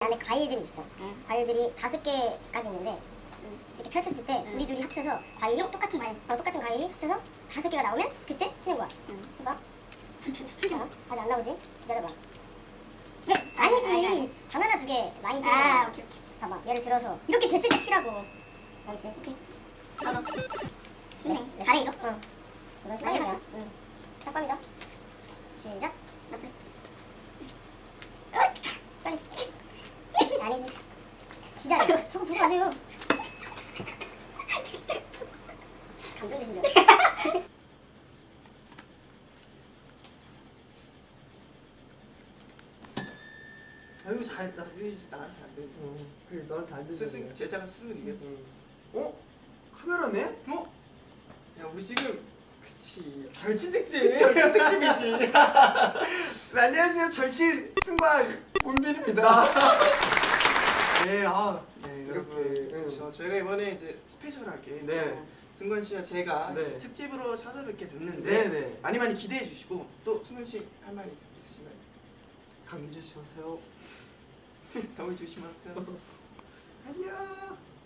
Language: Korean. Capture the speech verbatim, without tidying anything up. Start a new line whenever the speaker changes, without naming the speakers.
안에 과일들이 있어. 응. 과일들이 다섯 개까지 있는데 응. 이렇게 펼쳤을 때 응. 우리 둘이 합쳐서 과일이 어, 똑같은 과일, 어, 똑같은 과일이 합쳐서 다섯 개가 나오면 그때 치는 거야. 응. 해봐. 어? 아직 안 나오지? 기다려봐. 왜? 아니지. 아니, 아니. 바나나 두 개 라인 치는 거야. 아, 오케이 오케이. 봐봐. 예를 들어서 이렇게 됐을 때 치라고. 알겠지? 오케이. 봐봐. 쉽네. 네. 잘해 이거? 응. 이런 식으로 많이 해봤어? 응. 짝밤이다. 시작. 맞지? 빨리. 아니지. 기다려. 저거 보지 마세요. 감정되신 줄 알았어.
아유 잘했다.
이제 나한테 안 돼.
어, 그래 너한테 안
스승
되잖아.
제자가 스승을 이겼어.
응. 어? 카메라네?
어? 야 우리 지금 그치.
절친 특집.
절친 특집이지.
네, 안녕하세요. 절친 승관 문빈입니다. 네, 아,
네
이렇게,
여러분
응.
그렇죠. 저희가 이번에 이제 스페셜하게
네.
또 승관 씨와 제가
네.
특집으로 찾아뵙게 됐는데
네, 네.
많이 많이 기대해 주시고 또 승관 씨 할 말 있으신가요?
감기 조심하세요.
더위 조심하세요.
안녕.